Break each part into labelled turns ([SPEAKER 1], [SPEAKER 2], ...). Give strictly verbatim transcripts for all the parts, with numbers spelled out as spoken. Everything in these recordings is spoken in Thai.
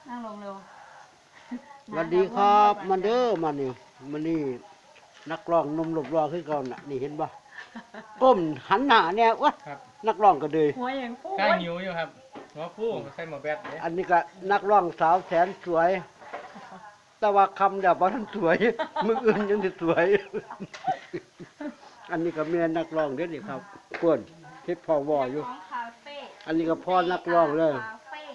[SPEAKER 1] นั่งลงเร็ว
[SPEAKER 2] สวัสดีครับมันเด้อมานี่มันนี่นักร้องหนุ่มหลบรอขึ้นก่อนน่ะนี่เห็นป่ะก้มหันหน้าเนี่ยวะนักร้องก็เลย
[SPEAKER 1] หัวอย่างฟู
[SPEAKER 3] กล้าหิวอยู่ครับหัวฟูใส่หมวกแบดเลย
[SPEAKER 2] อันนี้ก็นักร้องสาวแสนสวย แต่ว่าคำเดียวบ่ทันสวย มืออื่นยังสิสวย อันนี้ก็เมียนักร้องเด้อนี่ครับเพิ่นเฮ็ดพ่อวออยู่
[SPEAKER 4] ของคาเฟ่
[SPEAKER 2] อันนี้ก็พ่อนักร้องเลย
[SPEAKER 4] คาเฟ่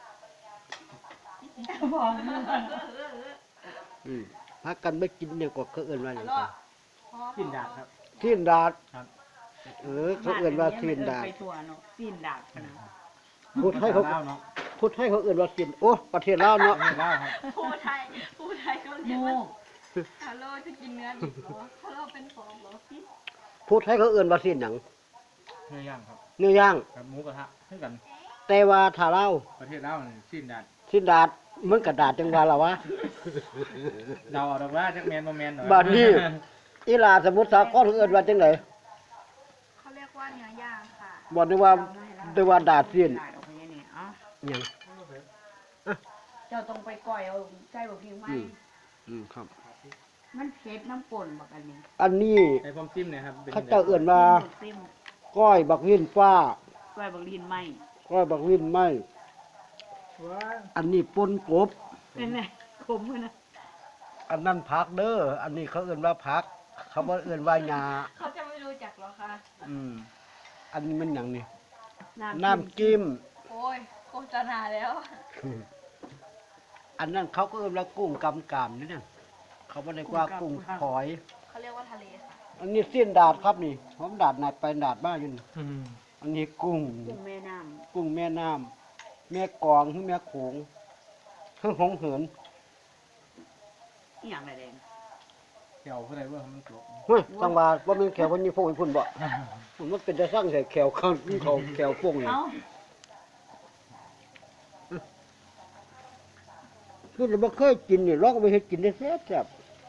[SPEAKER 1] บอก
[SPEAKER 2] อืมพักกันไม่กินเนี่ยก็เขาเอิ้นว่าหยังกัน
[SPEAKER 3] กินดาบครับ
[SPEAKER 2] ทีนดาด
[SPEAKER 3] ครับ
[SPEAKER 2] เออเขาเอิ้นว่าทีนดาด
[SPEAKER 1] ไปทัวร์เนาะซีนดาดนะ
[SPEAKER 2] พูดให้เขา
[SPEAKER 3] เล่าเนาะ
[SPEAKER 2] พูดให้เขาเอิ้นว่าทีนโอ้ประเทศลาวเนาะ
[SPEAKER 3] ไม่เล่าครับ
[SPEAKER 4] ผู้ไทยผู้ไทยก็เรียก
[SPEAKER 1] โม่
[SPEAKER 4] ว่าฮัลโหลจะกินเนื้อดิบเหรอฮัลโหลเป็นของเหรอพี่
[SPEAKER 2] พูดให้เขาเอิ้นว่าทีนหยัง
[SPEAKER 3] เนื้อย่างครับ
[SPEAKER 2] เนื้อย่าง
[SPEAKER 3] กับหมูกระทะให้กัน
[SPEAKER 2] แต่ว่าถ้าลาว
[SPEAKER 3] ประเทศเล่าเนี่ยสิ้นดาด
[SPEAKER 2] ทีนดาดมันกระดาษจังว่าล่ะวะ
[SPEAKER 3] เดาเอาดอกว่าจักแมนบ่แมนหน่อย
[SPEAKER 2] บาดนี้ อีหลาสมุทรสาครเขาเอิ้นว่าจังได๋
[SPEAKER 4] เขาเรียกว่าเนื้อย่างค่ะ
[SPEAKER 2] บ่ได้ว่าได้ว่าดาดทีน
[SPEAKER 1] ดาดออกไปนี่เอ้า
[SPEAKER 2] หยัง
[SPEAKER 1] เจ้าต้องไปก่อยเอาใจบอกพิงไหม
[SPEAKER 2] อืมอืมครับ
[SPEAKER 1] มันเผ็ดน้ำป่นบักอันนี้
[SPEAKER 2] อันนี้
[SPEAKER 3] ไอ้ผมจิ้มเนี่ยครับ
[SPEAKER 2] เขาเจ้าเอิ้นว่า
[SPEAKER 1] ซิม
[SPEAKER 2] ก้อยบักวินฟ้า
[SPEAKER 1] ก้อยบักลีนไหม
[SPEAKER 2] ก้อยบักวินไหม
[SPEAKER 3] ว้า
[SPEAKER 2] อันนี้ป่นกบ
[SPEAKER 1] เป็นไงขมเลยนะ
[SPEAKER 2] อันนั้นผักเด้ออันนี้เขาเอิ้นว่าผัก เขาบ่เอิ้นว่าหญ้า
[SPEAKER 4] เขาจะไม่รู้จักหรอคะ
[SPEAKER 2] อืมอันนี้มันหยังนี่
[SPEAKER 1] น้ำ
[SPEAKER 2] น้ำจิ้ม
[SPEAKER 4] โอ้ยโฆษณาแล้ว
[SPEAKER 2] อันนั้นเขาก็เอิ้นว่ากุ้งกำกามนี่เนี่ยเขาบ่ได้ว่ากุ้งฝอย
[SPEAKER 4] เขาเรียกว่าทะเลค่ะ
[SPEAKER 2] อันนี้เส้นดาดครับนี่ผมดาดหนาดไปดาดมาอยู่นี่
[SPEAKER 3] อืม
[SPEAKER 2] อันนี้กุ้ง
[SPEAKER 1] กุ้งแม่น้
[SPEAKER 2] กุ้งแม่น้ำแม่กลองหรือแม่โขงเพิ่งหงเหิน
[SPEAKER 1] ำอีหยังไรแดง
[SPEAKER 3] เกี่ยวผู้ใดว่ามันตก
[SPEAKER 2] เฮ้ยสังว่าว่ามันแขวคนนี้พวกอีพุ่นบ่มันเป็นแต่สร้างแต่แขวเขาเขาแขวพวกนี่
[SPEAKER 1] เอ้า
[SPEAKER 2] คือเราบ่เคยกินนี่ลองเอาไปเฮ็ดกินได้แซ่บแซ่บ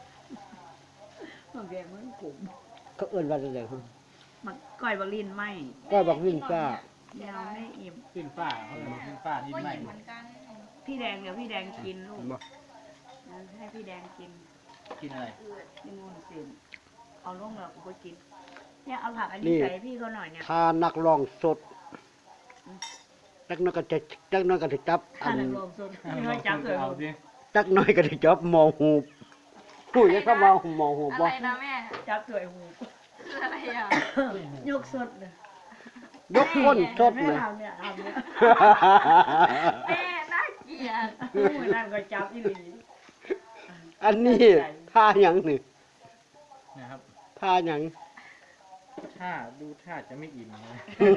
[SPEAKER 1] มันแดงมันขม
[SPEAKER 2] เขาเอิ้นว่าจังได๋ครับ
[SPEAKER 1] มันก้อยบักลีนไหม
[SPEAKER 2] ก้อยบักวินฟ้า
[SPEAKER 1] แนวไม่อิ่ม
[SPEAKER 3] สิ้นฟ้าเขาเรียกว่าสิ้นฟ้าที่
[SPEAKER 4] ก็
[SPEAKER 3] ไหม้
[SPEAKER 4] ยินเหมือนกัน
[SPEAKER 1] พี่แดงเดี๋ยวพี่แดงกินลูก
[SPEAKER 2] บ่
[SPEAKER 1] ให้พี่แดงกิน
[SPEAKER 3] กินอะไร
[SPEAKER 4] อืด
[SPEAKER 1] กินมูนสินเอาลงแล้วกูก็กิน เนี่ยเอาผักอันนี้ใส่ให้พี่เขาหน่อยเนี่ย
[SPEAKER 2] ถ้านักร้องสดจักหน้อยก็จะจักหน้อยก็สิจับอั
[SPEAKER 1] ถ้าน นักลงสุดพี่เขาจับเลย
[SPEAKER 3] เอา
[SPEAKER 1] ลูก
[SPEAKER 3] สิ
[SPEAKER 2] จักหน้อยก็สิจับหมอหูบผู้ยังเข้ามาหมอหูบ
[SPEAKER 4] อะ
[SPEAKER 2] บ่
[SPEAKER 4] ไรนะแม่
[SPEAKER 1] จับสวยหู
[SPEAKER 4] คืออะไรอ่ะ
[SPEAKER 1] ยกสดเลย
[SPEAKER 2] ยกก้นสด
[SPEAKER 1] แม่
[SPEAKER 2] เลย
[SPEAKER 1] ทำเนี่ยทำเนี่ย
[SPEAKER 4] แม่น่าเกลียด
[SPEAKER 1] มือนั่นก็จับอีหลี
[SPEAKER 2] อันนี้ท่าหยังนี่
[SPEAKER 3] นะครับ
[SPEAKER 2] ท่าหยัง
[SPEAKER 3] ถ้าดูท่าจะไม่อิ่มนะ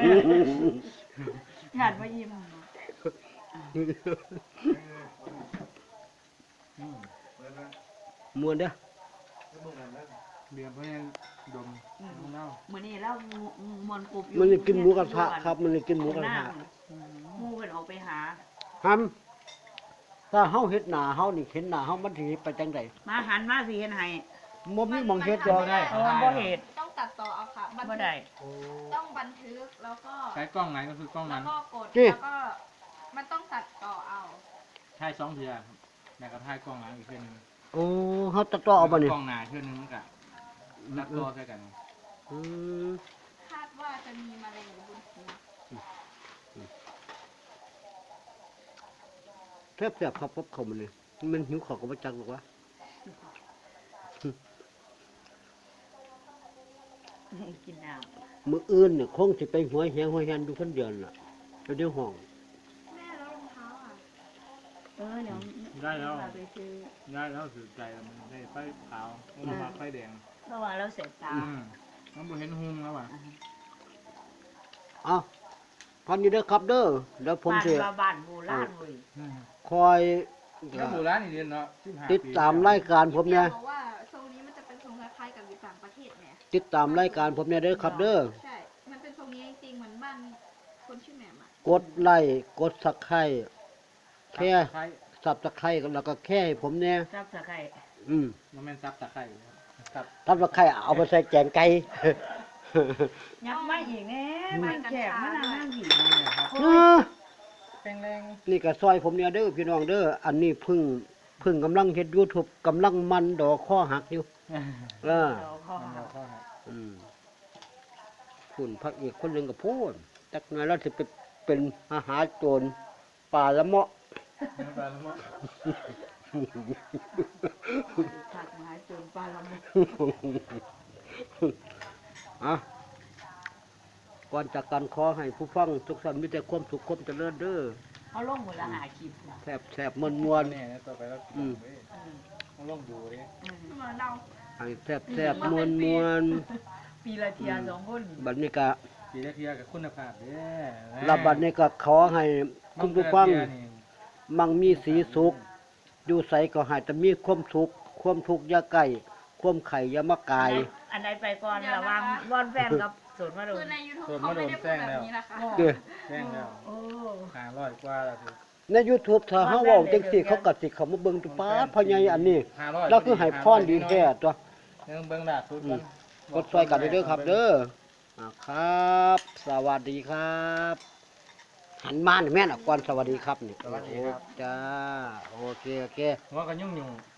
[SPEAKER 1] หยาดมายิ้ม
[SPEAKER 3] อืม
[SPEAKER 2] มวนเด้อ
[SPEAKER 3] เบียร์เพราะยังดมของเล่า
[SPEAKER 1] เหมือนนี่แล้วมอนกรุบ
[SPEAKER 2] มันจะกินหมูกระทะครับ มันจะกินหมูกระทะ
[SPEAKER 1] หมูกันออกไปหา
[SPEAKER 2] ฮัมถ้าเฮาเฮ็ดหน้าเฮานี่เห็นหน้าเฮามันสิไปจังได๋
[SPEAKER 1] มาหันมาสิเห็นให้
[SPEAKER 2] บ่มีหม่องเฮ็ดดอก
[SPEAKER 3] ได้
[SPEAKER 1] เออบ่เห็ด
[SPEAKER 4] ต้องตัดต่อเอาค่ะบัน
[SPEAKER 1] บ่
[SPEAKER 4] ทึ
[SPEAKER 1] ได้
[SPEAKER 4] กต้องบันทึกแล้วก็
[SPEAKER 3] ใช้กล้องไหนก็คือกล้อง
[SPEAKER 4] แล้
[SPEAKER 3] นั้
[SPEAKER 4] วน ก็กด
[SPEAKER 2] จี้
[SPEAKER 4] แล้วก็มันต้องตัดต่อเอา
[SPEAKER 3] ถ่ายสองเทือครับแล้วก็ถ่ายกล้องหลังอีกเทือหนึง
[SPEAKER 2] โอ้เฮาตัดต่อเอาบ่นี่
[SPEAKER 3] กล้องหน้าเทือหนึงมันก็ตัดต่อใส่กัน
[SPEAKER 2] อืม
[SPEAKER 4] คาดว่าจะมีมะเร็งบนหัว
[SPEAKER 2] แซ่บๆครับพบเข้ามานี่มันหิวข้าวก็บ่จักหรอกวะ
[SPEAKER 1] กินน้
[SPEAKER 2] มื้ออื่นเนี่ยคงสิไปหัวแหงหัวแหนอยู่คนเดียวน่ะอยู่ในห้อง
[SPEAKER 4] แม่แล้วรองเท้าอ่ะ
[SPEAKER 1] ำเออเดี๋ยว
[SPEAKER 3] ได้แล้ว
[SPEAKER 1] ไปซื้อ
[SPEAKER 3] ได้แล้วถือใจแล้วมันได้ไฟขาวมันมาไฟแดง
[SPEAKER 1] เพราะว่าเราเสร็จตา
[SPEAKER 3] อืมมันบ่เห็นหุงแล้วอ่ะ
[SPEAKER 2] เอ้าพันนี้เด้อครับเด้อเดี๋ยวผม
[SPEAKER 1] บ้าน
[SPEAKER 2] สิ
[SPEAKER 1] ว่าบ้านโบราณเว้ย
[SPEAKER 3] อืม
[SPEAKER 2] คอย
[SPEAKER 3] แล้วโบราณนี่เรียนเนาะสิบห้
[SPEAKER 2] ติดตามรายการผมเนี่ย
[SPEAKER 4] บอกว่าทรงนี้มันจะเป็นทรงคล้ายๆกับอยู่ต่างประเทศเนี่ย
[SPEAKER 2] ติดตามรายการผมเนี่ยเด้อครับเด้อ
[SPEAKER 4] ใช่ มันเป็นทรงนี้จริงๆเหมือนบ้านคนชื่อแหม่มอ่ะ
[SPEAKER 2] กดไลค์กดซับไครต์แค่
[SPEAKER 3] ไข่
[SPEAKER 2] ซับตะไคร้แล้วก็แค่ให้ผมเนี่ย
[SPEAKER 1] ซับสไคร
[SPEAKER 2] อืม
[SPEAKER 3] มันแม่นซับตะไคร้ครับ
[SPEAKER 2] ซับตะไคร้เอาไปใส่แกงไก่
[SPEAKER 1] ยับมาอีกแน่มันแขกมันนั่งผี
[SPEAKER 3] นั่นแหละครับ
[SPEAKER 2] เออ
[SPEAKER 3] แป้งแรง
[SPEAKER 2] นี่ก็ซอยผมเนี่ยเด้อพี่น้องเด้ออันนี้เพึ่งเพึ่งกำลังเฮ็ด YouTube กำลังมันดอกข้อหักอยู่เออ
[SPEAKER 1] เดี๋ยวข้อ
[SPEAKER 3] มัน
[SPEAKER 1] หา
[SPEAKER 3] เราเข้าหา
[SPEAKER 2] อืมคุณพระเอกคนหนึงก็พูดจักหน่อยแล้วสิไปเป็นอาหารโจรป่าละเมาะ
[SPEAKER 3] น้ำปลาละเมาะ
[SPEAKER 1] ผักไม้จนปลาละมุ
[SPEAKER 2] อ่ะก่อนจากกันขอให้ผู้ฟังทุกท่านมีแต่ความสุขความเจริญเด้อ
[SPEAKER 1] เอาลงหมดละหาคลิปนะ
[SPEAKER 2] แซ่บแซ่บมวนมวน
[SPEAKER 3] เนี่ยนะต่อไปเรากิน
[SPEAKER 2] อืม
[SPEAKER 3] เว้ย
[SPEAKER 1] อืม
[SPEAKER 3] ต้องลองดูดิ
[SPEAKER 1] อืม
[SPEAKER 4] เหมือนเรา
[SPEAKER 2] ให้แซ่บแซ่บมวนมวน
[SPEAKER 1] ปีละเทียสองคน
[SPEAKER 2] บัดนี้ก็
[SPEAKER 3] ปีละเทียกับคุณภาพเด้อ
[SPEAKER 2] รับบัดนี้ก็ขอให้คุณผู้ฟัง มั่งมีสีสุข อยู่ใสก็ให้แต่มีความสุข ความทุกข์อย่าใกล้ความไข่อย่ามากาย
[SPEAKER 1] อันไหนไปก่อนระวังวอนแฟนกับสวนมาดู
[SPEAKER 4] คือใน YouTube เขาไม่ได้พูดแบบนี้นะคะ
[SPEAKER 2] เด้อ
[SPEAKER 3] แป้งแล้ว
[SPEAKER 1] โอ้
[SPEAKER 3] หาร้อยกว่าแล้วสิ
[SPEAKER 2] ใน YouTube ถ้าเฮาเว้าจังซี่เขาก็สิเข้ามาเบิ่งตุป้าดพ่อใหญ่อันนี้
[SPEAKER 3] ห้าร้อย
[SPEAKER 2] แล้วคือให้พรดีแท้ตัว
[SPEAKER 3] เรื่องเบิ่งล่าสุดก่อน
[SPEAKER 2] กดซอยกันเด้อครับ เด้ออ่าครับ สวัสดีครับ หันมาหน่อยแม่นอ่ะก่อนสวัสดีครับนี่
[SPEAKER 3] สวัสดีครับ
[SPEAKER 2] โอ้จ้า โอเค โอเค
[SPEAKER 3] หัวกันยุ่งยุ่งๆ